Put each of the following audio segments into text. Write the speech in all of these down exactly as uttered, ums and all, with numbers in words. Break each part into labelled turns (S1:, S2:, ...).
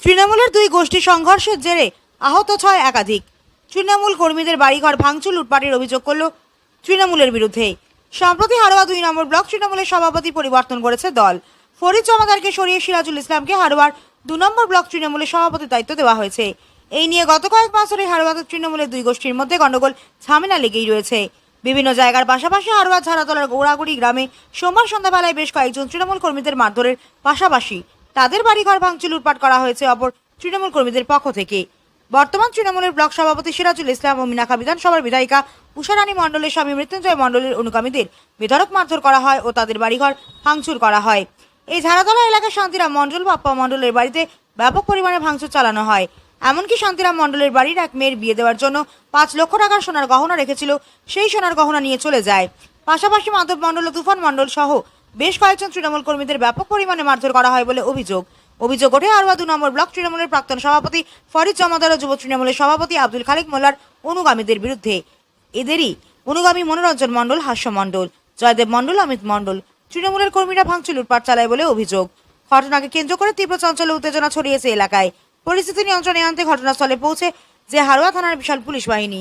S1: তৃণমূলের দুই গোষ্ঠী সংঘর্ষের জেরে আহত ছয় একাধিক। তৃণমূল কর্মীদের বাড়িঘর ভাঙচুর লুটপাটের অভিযোগ করল তৃণমূলের বিরুদ্ধে। সম্প্রতি হারোয়া দুই নম্বর ব্লক তৃণমূলের সভাপতি পরিবর্তন করেছে দল। ফরিদ জমাদারকে সরিয়ে সিরাজুল ইসলামকে হারোয়ার দু নম্বর ব্লক তৃণমূলের সভাপতির দায়িত্ব দেওয়া হয়েছে। এই নিয়ে গত কয়েক মাস ধরে হারোয়াতে তৃণমূলের দুই গোষ্ঠীর মধ্যে গণ্ডগোল ঝামেলা লেগেই রয়েছে। বিভিন্ন জায়গার পাশাপাশি হারোয়া ঝাড়াতলার গৌরাগুড়ি গ্রামে সোমবার সন্ধ্যাবেলায় বেশ কয়েকজন তৃণমূল কর্মীদের মারধরের পাশাপাশি তাদের বাড়িঘর ভাঙচুর লুটপাট করা হয়েছে অপর তৃণমূল কর্মীদের পক্ষ থেকে। বর্তমান তৃণমূলের ব্লক সভাপতি সিরাজুল ইসলাম ও মিনাখা বিধানসভার বিধায়িকা উষারানী মণ্ডলের স্বামী মৃত্যুঞ্জয় মণ্ডলের অনুগামীদের বেধড়ক মারধর করা হয় ও তাদের বাড়িঘর ভাঙচুর করা হয়। এই ঝাড়াতলা এলাকার শান্তিরাম মণ্ডল বাপ্পা মণ্ডলের বাড়িতে ব্যাপক পরিমাণে ভাঙচুর চালানো হয়। এমনকি শান্তিরাম মণ্ডলের বাড়ির এক মেয়ের বিয়ে দেওয়ার জন্য পাঁচ লক্ষ টাকার সোনার গহনা রেখেছিল, সেই সোনার গহনা নিয়ে চলে যায়। পাশাপাশি মাধব মণ্ডল ও তুফান মণ্ডল সহ বেশ কয়েকজন তৃণমূল কর্মীদের ব্যাপক পরিমাণে মারধর করা হয় বলে অভিযোগ। অভিযোগ ওঠে হারোয়া দু নম্বর ব্লক তৃণমূলের প্রাক্তন সভাপতি ফরিদ জমাদার ও যুব তৃণমূলের সভাপতি আব্দুল খালেক মোল্লার অনুগামীদের বিরুদ্ধে। এদেরই অনুগামী মনোরঞ্জন মণ্ডল, হাস্য মণ্ডল, জয়দেব মণ্ডল, অমিত মণ্ডল তৃণমূলের কর্মীরা ভাঙচুর লুটপাট চালায় বলে অভিযোগ। ঘটনাকে কেন্দ্র করে তীব্র চঞ্চল উত্তেজনা ছড়িয়েছে এলাকায়। পরিস্থিতি নিয়ন্ত্রণে আনতে ঘটনাস্থলে পৌঁছে যে হারোয়া থানার বিশাল পুলিশ বাহিনী।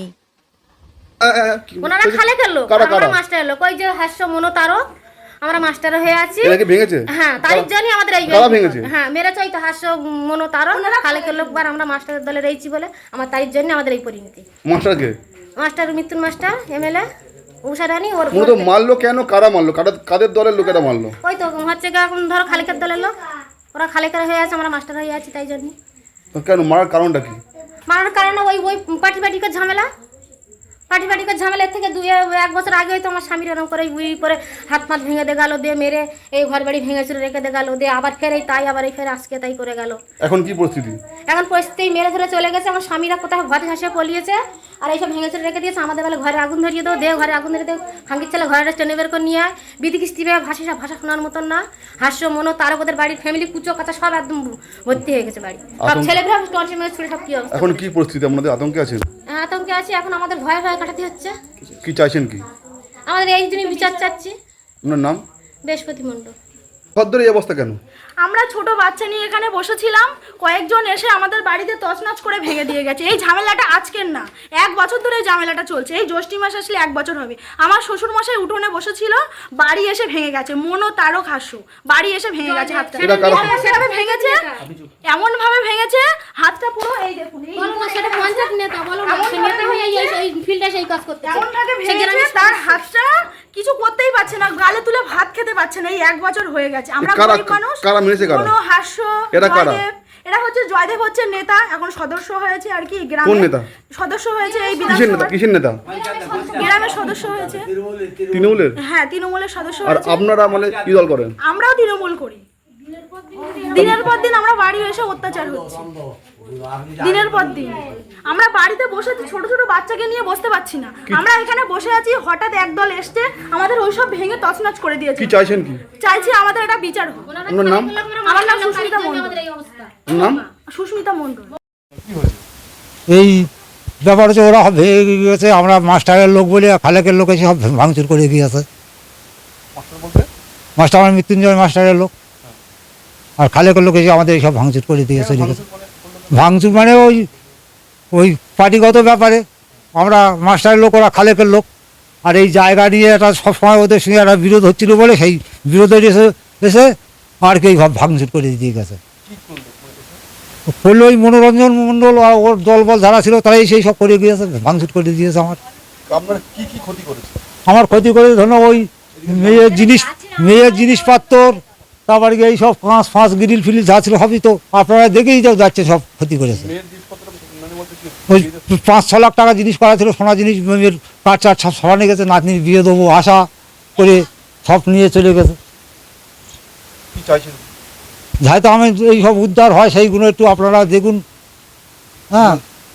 S2: ওনারা খালে খেললো, আমরা মাস্টার এলো, কই যে হাস্য মনো তারও আমরা মাস্টার হয়ে আছি।
S3: এটাকে ভেঙেছে?
S2: হ্যাঁ, তারিখ জানি আমাদের এই
S3: কারা ভেঙেছে?
S2: হ্যাঁ, মেরেছে ওই তো হাস্য মনো তারও খালে খেললো, বার আমরা মাস্টারের দলে রয়েছি বলে আমার তারিখ জানি আমাদের এই পরিণতি।
S3: মাস্টারকে?
S2: মাস্টার মৃত্যুন মাস্টার এমএলএ উষারানী ওর
S3: মূলত মারলো কেন? কারা মারলো? কাদের কাদের দলের লোকেরা মারলো?
S2: ওই তো হচ্ছে গা এখন ধরো খালেকের দলের লোক, ওরা খালেকের হয়ে আছে, আমরা মাস্টার হয়ে আছি, তাই জন্য।
S3: কেন মারার কারণটা কি?
S2: মারার কারণে ওই ওই পার্টি পার্টিকে ঝামেলা পার্টি পার্টিকে ঝামেলার থেকে দুই এক বছর আগে হয়তো আমার স্বামীর এরকম করে উই করে হাত মাত ভেঙে দিয়ে গেল, দিয়ে মেরে এই ঘর বাড়ি ভেঙেছিল রেখে দিয়ে গেল, দিয়ে আবার ফের এই তাই আবার এই ফের আজকে তাই করে গেল।
S3: এখন কি পরিস্থিতি?
S2: এখন পরিস্থিতি মেরে ধরে চলে গেছে, আমার স্বামীরা কোথাও ঘরে হাসে পলিয়েছে আর এইসব ভেঙেছিল রেখে দিয়েছে। আমাদের বেলা ঘরে আগুন ধরিয়ে দেবো, দিয়ে ঘরে আগুন ধরিয়ে দেবো, ভাঙ্গির ছেলে ঘরে টেনে বের করে নিয়ে আয়, বিধি কিস্তি ভাষা ভাষা শোনার মতন না। হাস্য মনো তারও ওদের বাড়ির ফ্যামিলি কুচো কাঁচা সব একদম ভর্তি হয়ে গেছে বাড়ি, সব ছেলেগুলো টনসি মেয়ে ছেলে সব কি অবস্থা।
S3: এখন কি পরিস্থিতি? আপনাদের আতঙ্কে আছেন?
S2: হ্যাঁ, আতঙ্কে আছি, এখন আমাদের ভয়ে ভয়ে কাটাতে হচ্ছে।
S3: কি চাইছেন কি?
S2: আমাদের এই জন্য বিচার চাচ্ছি।
S3: আপনার নাম?
S2: বৃহস্পতি মণ্ডল।
S3: ভদ্র এই অবস্থা কেন?
S4: আমরা ছোট বাচ্চা নিয়ে এখানে বসেছিলাম, কয়েকজন এসে আমাদের বাড়িতে তছনছ করে ভেঙে দিয়ে গেছে। এই ঝামেলাটা আজকের না, এক বছর ধরে এই ঝামেলাটা চলছে। এই জ্যৈষ্ঠী মাস আসলে এক বছর হবে। আমার শ্বশুর মশাই উঠোনে বসেছিল, বাড়ি এসে ভেঙে গেছে। মনো তারক হাস্য বাড়ি এসে ভেঙে গেছে হাতটা, সেভাবে ভেঙেছে, এমন ভাবে ভেঙেছে হাতটা পুরো এই দেখুন এমন ভাবে ভেঙেছে, তার হাতটা কিছু করতেই পারছে না, গালে তুলে ভাত খেতে পারছে না। এই এক বছর হয়ে গেছে। আমরা গরিব মানুষ।
S3: কারা মেরেছে? কারা?
S4: কোনো হাস্য
S3: এরা কারা?
S4: এরা হচ্ছে জয়দেব হচ্ছে নেতা, এখন সদস্য হয়েছে আর কি গ্রামের।
S3: কোন নেতা?
S4: সদস্য হয়েছে এই
S3: কিসের নেতা? কিসের নেতা?
S4: গ্রামের সদস্য হয়েছে
S3: তৃণমূলের?
S4: হ্যাঁ, তৃণমূলের সদস্য
S3: আর
S4: হয়েছে।
S3: আপনারা মানে কি দল করেন?
S4: আমরাও তৃণমূল করি। দিনের পর দিন আমরা বাড়ি এসে অত্যাচার হচ্ছে, দিনের পর দিন। আমরা বাড়িতে বসে আছি, ছোট ছোট বাচ্চাকে নিয়ে বসতে পারছি না। আমরা এখানে বসে আছি, হঠাৎ একদল এসছে আমাদের ওইসব ভেঙে তছনছ করে দিয়েছে।
S3: কি চাইছেন কি?
S4: চাইছি আমাদের এটা বিচার হোক।
S3: আপনার নাম?
S4: আমার নাম সুস্মিতা মণ্ডল।
S3: নাম?
S4: সুস্মিতা মণ্ডল।
S5: এই ব্যাপার হচ্ছে ওরা ভেঙে গিয়েছে, আমরা মাস্টারের লোক বলে খালেকের লোক এসে সব ভাঙচুর করে গিয়েছে। মাস্টার আমার মৃত্যুঞ্জয় মাস্টারের লোক, আর খালেকের লোক এসে আমাদের এইসব ভাঙচুর করে দিয়ে চলে গেছে। ভাঙচুর মানে ওই ওই পার্টিগত ব্যাপারে, আমরা মাস্টারের লোক, ওরা খালেকের লোক। আর এই জায়গা নিয়ে একটা সবসময় ওদের সঙ্গে একটা বিরোধ হচ্ছিল বলে সেই বিরোধের এসে এসে আর কি ভাঙচুর করে দিয়ে গেছে। করলে ওই মনোরঞ্জন মণ্ডল আর ওর দলবল যারা ছিল তারাই সেই সব করে গিয়েছে, ভাঙচুর করে দিয়েছে। আমার
S3: কি কি ক্ষতি করেছে?
S5: আমার ক্ষতি করে ধরো ওই মেয়ের জিনিস মেয়ের জিনিসপত্র, তারপরে এই সব পাঁচ পাঁচ গ্রিল ফিল যা ছিল সবই তো আপনারা দেখেই যাও যাচ্ছে, সব ক্ষতি করেছে। ওই পাঁচ ছ লাখ টাকা জিনিস করা ছিল, সোনা জিনিস, মেয়ের কাঠ চাট সব সরানো গেছে, নাতনির বিয়ে দেবো আশা করে সব নিয়ে চলে গেছে। যাইতো আমি এই সব উদ্ধার হয় সেইগুলো একটু আপনারা দেখুন। হ্যাঁ,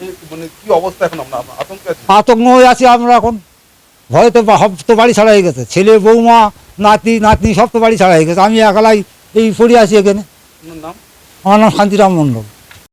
S5: আতঙ্ক হয়ে আছি আমরা এখন, ভয়ে তো সব তো বাড়ি ছাড়া হয়ে গেছে, ছেলে বৌমা নাতি নাতনি সব তো বাড়ি ছাড়া হয়ে গেছে। আমি একালাই এই পড়ে আছি এখানে। আমার নাম শান্তিরাম মণ্ডল।